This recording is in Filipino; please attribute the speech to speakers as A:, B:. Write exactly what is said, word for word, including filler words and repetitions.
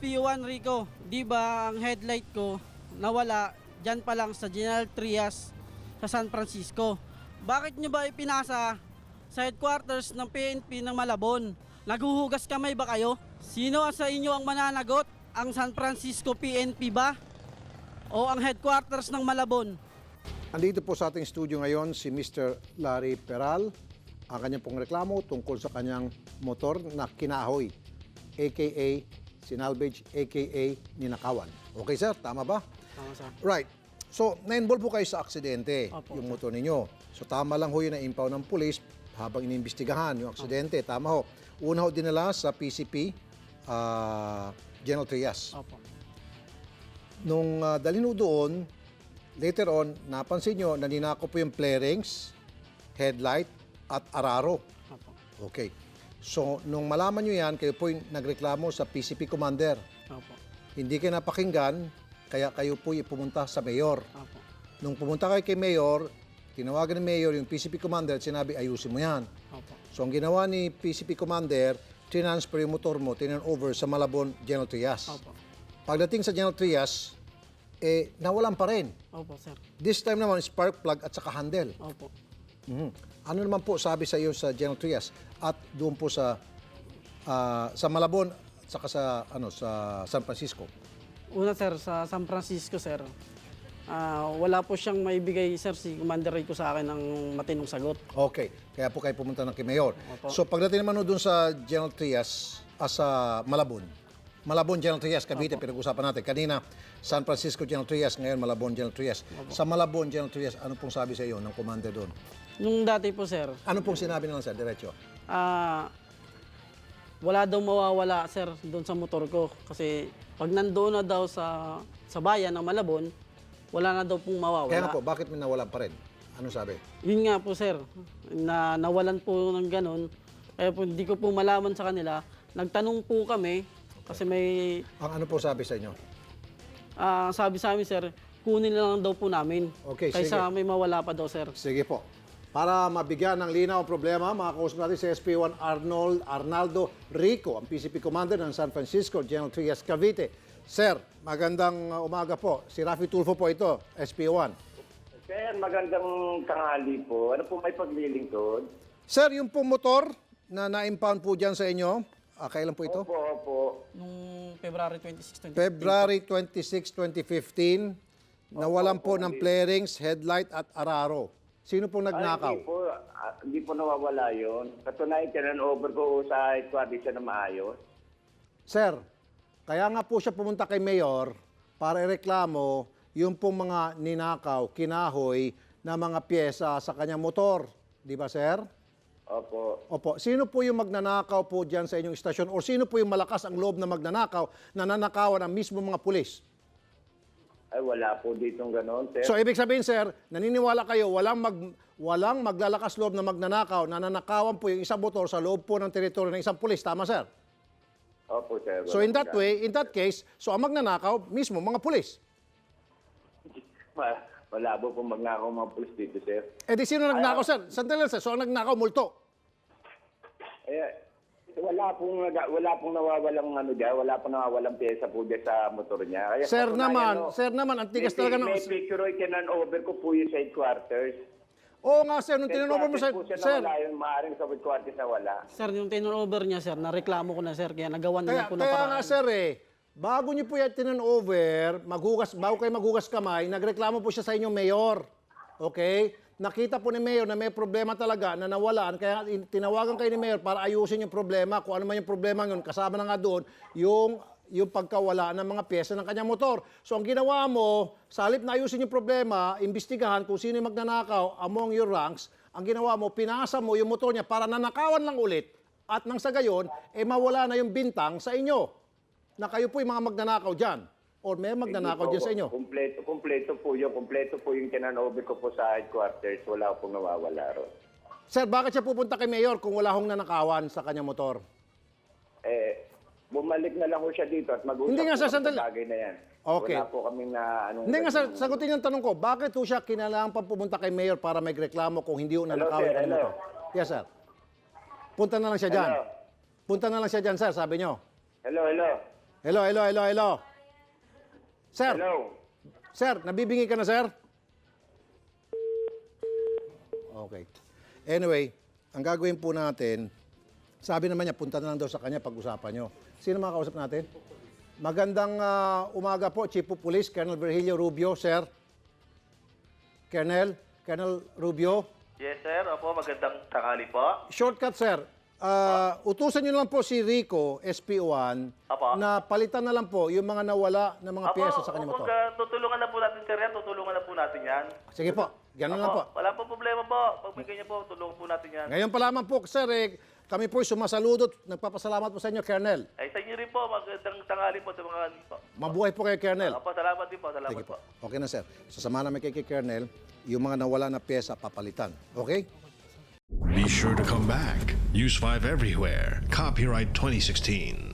A: P one Rico, di ba ang headlight ko nawala dyan pa lang sa General Trias sa San Francisco. Bakit nyo ba ipinasa sa headquarters ng P N P ng Malabon? Naguhugas kamay ba kayo? Sino sa inyo ang mananagot? Ang San Francisco P N P ba? O ang headquarters ng Malabon?
B: Andito po sa ating studio ngayon si Mister Larry Peral. Ang kanyang pong reklamo tungkol sa kanyang motor na kinahoy, a k a sinalvage, a k a ninakawan. Okay sir, tama ba?
A: Tama sir.
B: Right. So, na-involve po kayo sa aksidente,
A: Opo,
B: yung
A: sir.
B: motor ninyo. So, tama lang ho yun na impound ng pulis habang iniimbestigahan yung aksidente. Opo. Tama ho. Una ho dinala sa P C P, uh, General Trias.
A: Opo.
B: Nung uh, dalhin ho doon, later on, napansin nyo na ninako po yung flarings, headlight, at araro.
A: Opo.
B: Okay. So, nung malaman nyo yan, kayo po yung nagreklamo sa P C P Commander.
A: Opo.
B: Hindi kayo napakinggan, kaya kayo po yung pumunta sa Mayor.
A: Opo.
B: Nung pumunta kayo kay Mayor, tinawagan ni Mayor yung P C P Commander at sinabi, ayusin mo yan.
A: Opo.
B: So, ang ginawa ni P C P Commander, transfer yung motor mo, tinan over sa Malabon General Trias.
A: Opo.
B: Pagdating sa General Trias, eh, nawalan pa rin.
A: Opo, sir.
B: This time naman, spark plug at saka handle.
A: Opo.
B: Mhm. Ano naman po sabi sa iyo sa General Trias at doon po sa ah, sa Malabon at saka sa ano sa San Francisco?
A: Una sir, sa San Francisco sir, ah, wala po siyang maibigay sir si Commander Rico sa akin ng matinong sagot.
B: Okay, kaya po kayo pumunta ng kay Mayor.
A: Opo.
B: So pagdating naman doon sa General Trias, ah, sa Malabon, Malabon General Trias, Cavite, pinag-usapan natin. Kanina, San Francisco General Trias, ngayon Malabon General Trias. Sa Malabon General Trias, ano pong sabi sa iyo ng commander doon?
A: Nung dati po sir,
B: Ano pong sinabi nila sir, diretso?
A: ah, wala daw mawawala sir doon sa motor ko. Kasi pag nandoon na daw sa, sa bayan ng Malabon, wala na daw pong mawawala.
B: Kaya nga po, bakit may nawalan pa rin? Ano sabi?
A: Yun nga po sir, na nawalan po ng ganun. Kaya po hindi ko po malaman sa kanila. Nagtanong po kami kasi may
B: Ang ano po sabi sa inyo?
A: ah, sabi sa amin sir, kunin na lang daw po namin.
B: Okay,
A: Kaysa
B: sige.
A: may mawala pa daw sir.
B: Sige po. Para mabigyan ng linaw ang problema, makakausap natin si S P one Arnold Arnaldo Rico, ang P C P Commander ng San Francisco General Trias, Cavite. Sir, magandang uh, umaga po. Si Rafi Tulfo po ito, S P one.
C: Sir, magandang tanghali po. Ano po may paglilingkod?
B: Sir, yung pong motor na na-impound po dyan sa inyo, ah, kailan po ito?
C: Opo, opo.
A: Nung February twenty-six, twenty
B: February twenty-sixth, twenty fifteen, nawalan po ng flarings, headlight at araro. Sino pong
C: Ay,
B: nagnakaw?
C: hindi po, ah, hindi po nawawala yun. Katunayan, tinan-over ko sa headquarters siya na maayos.
B: Sir, kaya nga po siya pumunta kay Mayor para ireklamo yung pong mga ninakaw, kinahoy na mga pyesa sa kanyang motor. Di ba, sir?
C: Opo.
B: Opo. Sino po yung magnanakaw po dyan sa inyong istasyon? O sino po yung malakas ang loob na magnanakaw na nanakawan ang mismo mga pulis?
C: Ay, wala po ditong ganon, sir.
B: So, ibig sabihin, sir, naniniwala kayo, walang, mag, walang maglalakas loob na magnanakaw, na nanakawan po yung isang motor sa loob po ng teritoryo ng isang pulis. Tama, sir?
C: Opo, sir.
B: So, in that
C: Walang
B: way, in that case, so ang magnanakaw, mismo mga pulis.
C: ganon. Wala po pong magnakaw mga pulis dito, sir.
B: Eh di sino nagnakaw, sir? Sandali lang, sir. So ang nagnakaw, multo.
C: Eh, wala pong, naga- wala pong nawawalang ano dyan, wala pong nawawalang pyesa po dyan sa motor niya. Kaya
B: Sir
C: katunayan,
B: naman,
C: no,
B: sir naman, ang tigas
C: may,
B: talaga ng...
C: May picture o tinan-over ko po yung sa headquarters.
B: Oo nga, sir, nung tinanong mo, sir,
C: po siya
B: sir,
C: nawala yun, maaaring sa headquarters na wala.
A: Sir, yung turnover niya sir, nareklamo ko na sir, kaya nagawan
B: kaya,
A: na po ng
B: kaya
A: paraan.
B: nga, sir, eh, bago niyo po yan tinan-over, maghugas, bago kayo maghugas kamay, nagreklamo po siya sa inyong mayor. Okay? Nakita po ni mayor na may problema talaga na nawalan, kaya in- tinawagan kayo ni mayor para ayusin yung problema, kung ano man yung problema yun, kasama na nga doon, yung yung pagkawala ng mga pyesa ng kanyang motor. So ang ginawa mo, sa halip na ayusin yung problema, imbestigahan kung sino yung magnanakaw among your ranks, ang ginawa mo, pinasa mo yung motor niya para nanakawan lang ulit at nang sa gayon, eh mawala na yung bintang sa inyo na kayo po yung mga magnanakaw dyan or may magnanakaw
C: Hindi
B: dyan
C: po,
B: sa inyo.
C: Kumpleto, kumpleto po yun. Kumpleto po yung tinan-over ko po sa headquarters. Wala pong nawawala ron.
B: Sir, bakit siya pupunta kay Mayor kung wala hong nanakawan sa kanyang motor?
C: Eh, bumalik na lang po siya dito at mag-usap
B: Hindi nga,
C: po
B: sir,
C: kami
B: sandali.
C: sa bagay na yan.
B: Okay.
C: Wala po kami na anong...
B: Hindi nga, sir, sagutin yung tanong ko, bakit po siya kinailangan pa pumunta kay Mayor para may reklamo kung hindi ho
C: Hello,
B: nanakawan
C: sir,
B: yung kanyang
C: hello.
B: motor? Yes, sir. Punta na lang siya dyan.
C: Hello.
B: Punta na lang siya dyan, sir, sabi nyo.
C: Hello, hello.
B: Hello, hello, hello, hello. Sir,
C: Hello.
B: sir, nabibingi ka na, sir? Okay. Anyway, ang gagawin po natin, sabi naman niya, punta na lang daw sa kanya pag-usapan nyo. Sino makakausap natin? Magandang ah, umaga po, Chief of Police, Colonel Virgilio Rubio, sir. Colonel, Colonel Rubio.
D: Yes, sir. Opo, magandang tanghali po.
B: Shortcut, sir. Ah, utusan nyo lang po si Rico, S P O one,
D: Apo.
B: na palitan na lang po yung mga nawala na mga
D: Opo,
B: piyesa sa kanyang
D: opo,
B: motor.
D: ka- tutulungan na po natin, sir. Yan. Tutulungan na po natin yan.
B: Sige po, ganun lang po.
D: Opo, wala po problema po. Pag may ganyan po, tulungan po natin yan.
B: Ngayon pa lamang po, sir, eh, kami po sumasaludo at nagpapasalamat po sa inyo, Colonel.
D: Ay, sa inyo rin po. Magandang tanghali po sa mga ano po.
B: Mabuhay po kayo, Colonel.
D: Opo, salamat din po. Salamat
B: Sige
D: po.
B: po. Okay na, sir. Sasama namin kay kay Colonel, yung mga nawala na pyesa, papalitan. Okay?
E: Be sure to come back. Use five everywhere. Copyright twenty sixteen.